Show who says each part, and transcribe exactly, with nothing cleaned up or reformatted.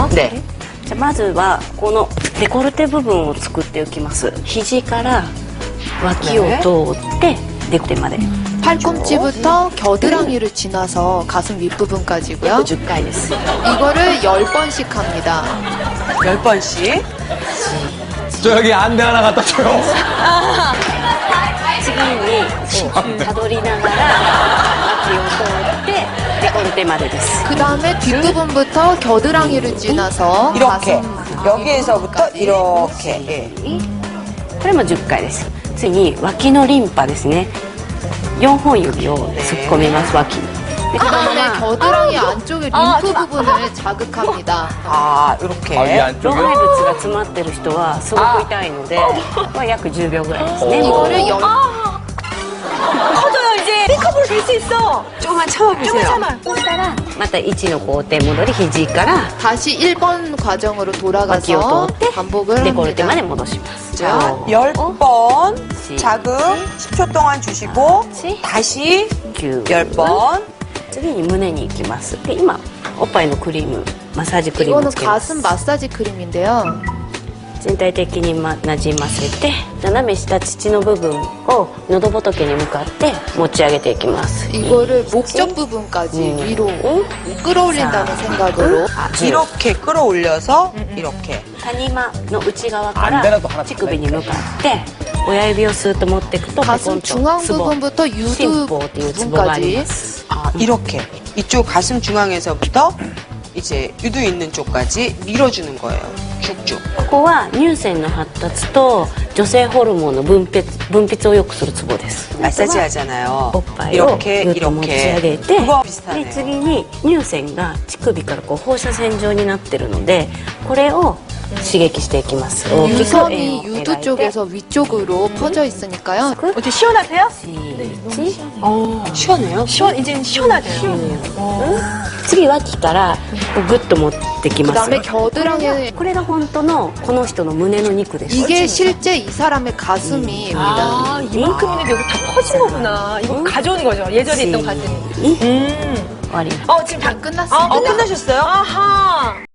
Speaker 1: 있네요.
Speaker 2: 네.
Speaker 3: じゃあまずはこのデコルテ部分を作っておきます。肘から脇を通ってデコルテまで。
Speaker 4: 팔꿈치부터 겨드랑이를 지나서 가슴 윗부분까지고요.
Speaker 3: じゅっかいです。
Speaker 4: 이거를 열 번씩 합니다.
Speaker 2: 열 번씩.
Speaker 5: 저 여기 안대 하나 갖다 줘요.
Speaker 3: 次にたどりながら脇を通ってデコルテまでです。
Speaker 4: 그 다음에 뒷부분부터 겨드랑이를 지나서
Speaker 2: 이렇게.
Speaker 4: 가슴
Speaker 2: 여기에서부터
Speaker 4: 윗부분까지.
Speaker 2: 이렇게. 예.
Speaker 3: これもじゅっかいです。次に脇のリンパですね。よんほん指を突っ込みます、脇に。で
Speaker 4: 그
Speaker 3: このま
Speaker 4: 다음에
Speaker 3: ま
Speaker 4: 겨드랑이 안쪽에 림프 부분을 자극합니다.
Speaker 2: 아, 이렇게.
Speaker 5: 아, 이
Speaker 3: 老
Speaker 5: 안쪽이요?
Speaker 3: 廃物が詰まってる人はすごく痛いので、まあ約じゅうびょうぐらいですね。
Speaker 4: 이거를 열
Speaker 1: 커져요, 이제. 삐커볼 될 수 있어.
Speaker 2: 조금만 참아보세요.
Speaker 1: 참아.
Speaker 3: そしたらまたいちの工程戻り肘から
Speaker 4: 다시 일 번 과정으로 돌아가서
Speaker 3: 脇を通って
Speaker 4: 반복을
Speaker 3: デコルテ
Speaker 4: 합니다.
Speaker 3: まで戻します。
Speaker 2: 자, 열 번
Speaker 3: 시.
Speaker 2: 자극 십 초 동안 주시고
Speaker 3: 시.
Speaker 2: 다시
Speaker 3: きゅう
Speaker 2: 열 번.
Speaker 3: 次に胸に行きます。で今おっぱいのクリームマッサージクリームを
Speaker 4: 이거는
Speaker 3: つけます。
Speaker 4: 가슴 마사지 크림인데요.
Speaker 3: 全体的にまなじませて斜め下乳の部分を喉仏に向かって持ち上げていきます。
Speaker 4: 이거를 목젖 부분까지
Speaker 3: 음.
Speaker 4: 위로 끌어올린다는
Speaker 3: 자.
Speaker 4: 생각으로
Speaker 2: 아, 이렇게 끌어올려서 이렇게.
Speaker 3: 谷間の内側か
Speaker 5: 안되나
Speaker 3: ら
Speaker 5: 또 하나
Speaker 3: 乳首に向かって親指をスーッと持っていくと
Speaker 4: 가슴 중앙 부분부터 유두
Speaker 3: 心房っていうツボがありま
Speaker 4: 부분까지
Speaker 3: す。
Speaker 2: 아, 이렇게. 이쪽 가슴 중앙에서부터 이제 유두 있는 쪽까지 밀어주는 거예요. 쭉쭉.
Speaker 3: ここは乳腺の発達と女性ホルモンの分泌分泌を良くするツボです。
Speaker 2: 마사지 하잖아요.
Speaker 3: おっぱいを
Speaker 2: 이렇게
Speaker 3: ぐっと持ち上げ
Speaker 2: 이렇게.
Speaker 3: て
Speaker 2: 그거
Speaker 3: で
Speaker 2: 비슷하네요.
Speaker 3: 次に乳腺が乳首からこう放射線状になってるのでこれを刺激していきます。大きく円
Speaker 4: 유선이
Speaker 3: を
Speaker 4: 유두
Speaker 3: 描いて
Speaker 4: 쪽에서 위쪽으로 퍼져 있으니까요.
Speaker 1: 어때, 시원하세요?
Speaker 3: し
Speaker 2: 어, 시원해요?
Speaker 1: 시원, 이젠 시원하대요.
Speaker 3: 次脇からこうグッと持ってき
Speaker 4: 그
Speaker 3: ます。
Speaker 4: 다음에 겨드랑이
Speaker 3: これが本当のこの人の胸の肉です。
Speaker 4: 이게 실제 이 사람의 가슴입니다.
Speaker 1: 아, 이만큼 있는데 여기 다 퍼진 거구나. 이거 가져오는 거죠. 예전에 있던 가슴이.
Speaker 3: に
Speaker 1: 음.
Speaker 3: 終わります。
Speaker 1: 어, 지금 다
Speaker 4: 다 끝났습니다.
Speaker 1: 어, 끝나셨어요? 아하.